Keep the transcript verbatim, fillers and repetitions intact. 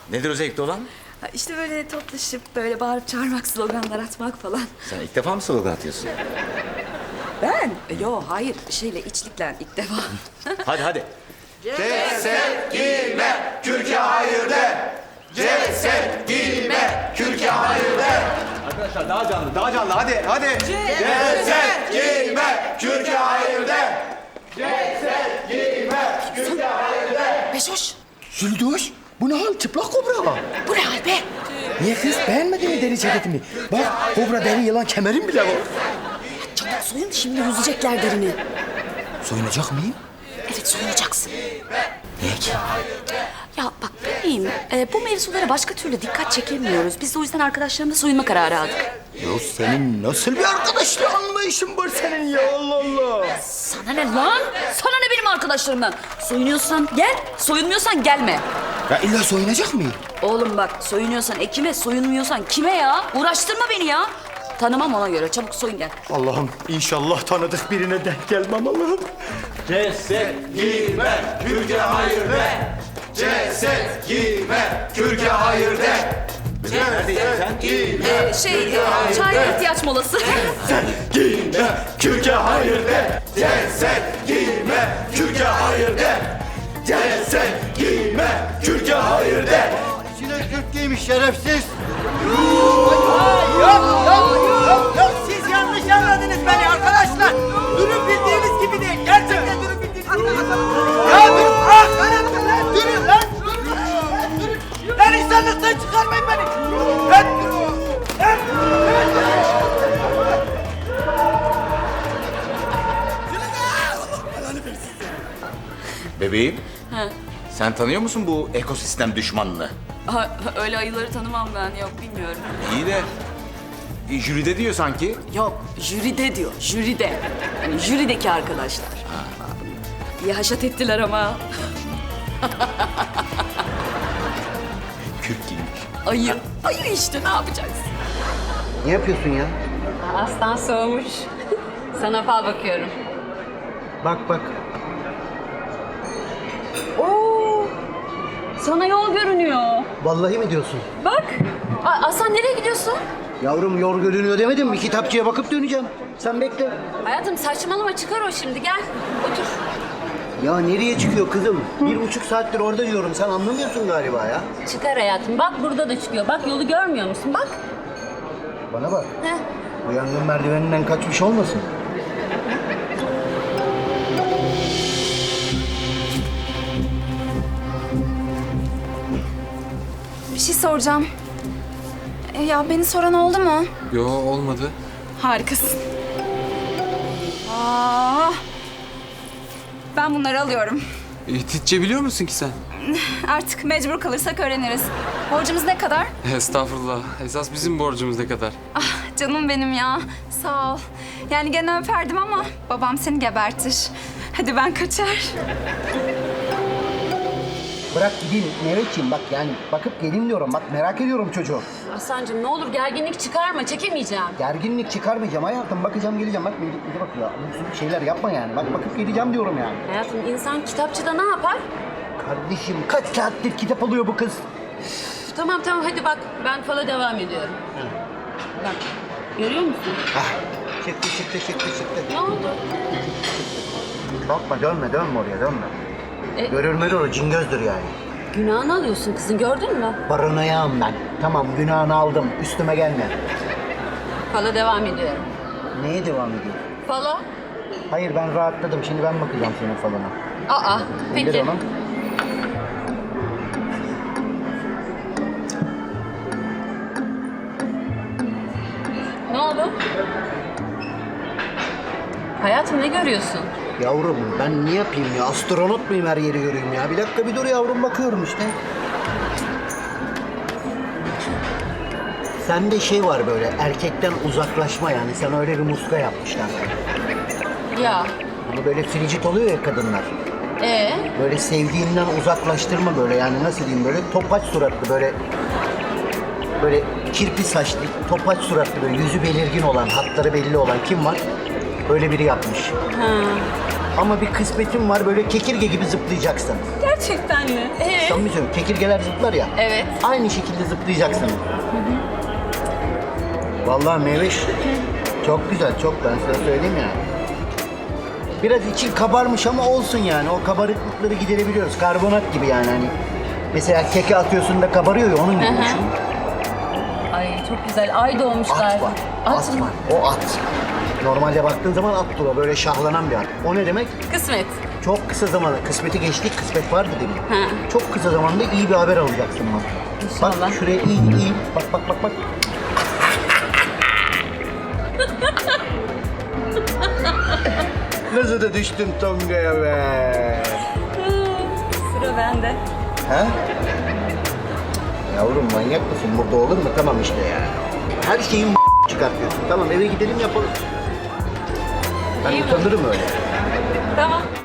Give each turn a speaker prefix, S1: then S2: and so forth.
S1: Nedir o zevkli olan?
S2: Ha, İşte böyle toplaşıp böyle bağırıp çağırmak, sloganlar atmak falan.
S1: Sen ilk defa mı slogan atıyorsun?
S2: Ben? E, Yo hayır şeyle içlikle ilk defa.
S1: Hadi hadi.
S3: Ceset giyme, kürke hayır de. Ceset giyme, kürke hayır de.
S4: Arkadaşlar daha canlı, daha canlı. Hadi, hadi.
S3: Ceset giyme, kürke hayır de. Ceset giyme, kürke hayır de.
S2: Beşoş.
S5: Züldoş, bu ne hal? Çıplak kobra.
S2: Bu ne hal be?
S5: Niye kız? Beğenmedin mi deri ceketimi? Bak, kobra deri yılan kemerim bile var.
S2: Çabuk soyun şimdi yüzecekler derini.
S5: Soyunacak mıyım?
S2: Evet soyunacaksın.
S5: Niye ki?
S2: Ya bak bebeğim e, bu mevzulara başka türlü dikkat çekemiyoruz. Biz de o yüzden arkadaşlarımla soyunma kararı aldık.
S5: Ya senin nasıl bir arkadaşlık anlayışın var senin ya Allah Allah.
S2: Sana ne lan? Sana ne benim arkadaşlarımdan? Soyunuyorsan gel, soyunmuyorsan gelme.
S5: Ya illa soyunacak mıyım?
S2: Oğlum bak soyunuyorsan ekime, soyunmuyorsan kime ya? Uğraştırma beni ya. Tanımam ona göre. Çabuk soyun gel.
S5: Allah'ım inşallah tanıdık birine denk gelmem Allah'ım.
S3: Ceset giyme, kürke hayır de. Ceset giyme, kürke hayır de. Ceset giyme,
S2: Ee, şey, e, çaya ihtiyaç molası.
S3: giyme, kürke hayır de. Ceset giyme, kürke hayır de. Ceset giyme, kürke hayır de.
S5: İçine kürk giymiş şerefsiz.
S6: Siz yanlış anladınız beni arkadaşlar. Durum bildiğiniz gibi değil. Gerçekten durum bildiğiniz gibi değil. Ya dur. Ah, öğretmen lan. Durun lan. Lan durun. Lan insanlıktan çıkarmayın beni. Lan durun. Lan.
S1: Bebeğim. Sen tanıyor musun bu ekosistem düşmanını?
S2: Ha, öyle ayıları tanımam ben. Yok bilmiyorum.
S1: İyi de e, jüride diyor sanki.
S2: Yok, jüride diyor. Jüride. Yani jürideki arkadaşlar. İyi haşat ettiler ama.
S1: Kürk giymiş.
S2: Ayı. Ayı işte ne yapacaksın?
S5: Ne yapıyorsun ya?
S7: Aslan soğumuş. Sana fal bakıyorum.
S5: Bak bak.
S7: Oo! Sana yol görünüyor.
S5: Vallahi mi diyorsun?
S7: Bak. A- Aslan nereye gidiyorsun?
S5: Yavrum yol görünüyor demedim mi? Kitapçıya bakıp döneceğim. Sen bekle.
S7: Hayatım saçmalama çıkar o şimdi gel. Otur.
S5: Ya nereye çıkıyor kızım? Bir buçuk saattir orada diyorum. Sen anlamıyorsun galiba ya.
S7: Çıkar hayatım. Bak burada da çıkıyor. Bak yolu görmüyor musun? Bak.
S5: Bana bak.
S7: Heh.
S5: Bu yangın merdiveninden kaçmış olmasın?
S8: Bir şey soracağım. E, ya beni soran oldu mu?
S9: Yo olmadı.
S8: Harikasın. Aa, ben bunları alıyorum.
S9: Hititçe biliyor musun ki sen?
S8: Artık mecbur kalırsak öğreniriz. Borcumuz ne kadar?
S9: Estağfurullah. Esas bizim borcumuz ne kadar?
S8: Ah canım benim ya. Sağ ol. Yani gene öperdim ama babam seni gebertir. Hadi ben kaçar.
S5: Bırak gideyim Mehmetciğim bak yani bakıp geleyim diyorum. Bak merak ediyorum çocuğu.
S7: Aslancığım ne olur gerginlik çıkarma. Çekemeyeceğim.
S5: Gerginlik çıkarmayacağım hayatım. Bakacağım geleceğim. Bak Melih bize bakıyor. Bu şeyler yapma yani. Bak bakıp geleceğim diyorum yani.
S7: Hayatım insan kitapçıda ne yapar?
S5: Kardeşim kaç saattir kitap alıyor bu kız.
S7: Üf, tamam tamam hadi bak. Ben fala devam ediyorum. Bak. Görüyor musun?
S5: Hah. Çıktı çıktı çıktı çıktı.
S7: Ne oldu?
S5: Bakma dönme dönme oraya dönme.
S7: E-
S5: Görür mürür o cingözdür yani.
S7: Günahını alıyorsun kızın gördün mü?
S5: Barınayağım ben. Tamam günahını aldım. Üstüme gelme.
S7: Fala devam ediyorum.
S5: Neye devam ediyor?
S7: Fala?
S5: Hayır ben rahatladım. Şimdi ben bakacağım senin falına.
S7: Aa
S5: İndir
S7: peki.
S5: onu.
S7: Ne oldu? Hayatım ne görüyorsun?
S5: Yavrum ben ne yapayım ya? Astronot muyum her yeri göreyim ya? Bir dakika bir dur yavrum bakıyorum işte. Sende şey var böyle erkekten uzaklaşma yani. Sen öyle bir muska yapmışlar.
S7: Ya.
S5: Hani böyle fricit oluyor ya kadınlar.
S7: Ee?
S5: Böyle sevdiğinden uzaklaştırma böyle yani nasıl diyeyim böyle topaç suratlı böyle böyle kirpi saçlı topaç suratlı böyle yüzü belirgin olan hatları belli olan kim var? Öyle biri yapmış.
S7: Ha.
S5: Ama bir kısmetim var böyle kekirge gibi zıplayacaksın.
S8: Gerçekten mi?
S7: Ee?
S5: Samimi söylüyorum. Kekirgeler zıplar ya.
S7: Evet.
S5: Aynı şekilde zıplayacaksın. Vallahi Meveş çok güzel, çok, ben size söyleyeyim ya. Biraz için kabarmış ama olsun yani. O kabarıklıkları giderebiliyoruz. Karbonat gibi yani hani. Mesela keke atıyorsun da kabarıyor ya, onun gibi düşün.
S7: Ay çok güzel. Ay doğmuşlar.
S5: At var. At,
S7: mı?
S5: var. O at. Normalde baktığın zaman attır o. Böyle şahlanan bir at. O ne demek?
S7: Kısmet.
S5: Çok kısa zamanda. Kısmeti geçtik. Kısmet vardı demin.
S7: Ha.
S5: Çok kısa zamanda iyi bir haber alacaksın bak.
S7: İnşallah.
S5: Bak şuraya iyi iyi. Bak bak bak bak. Nasıl da düştün Tonga'ya be?
S7: Sıra bende.
S5: Ha? Yavrum manyak mısın? Burada olur mu? Tamam işte ya. Her şeyin çıkartıyorsun. Tamam eve gidelim yapalım. Ben
S7: İyi mi?
S5: utanırım öyle.
S7: Tamam.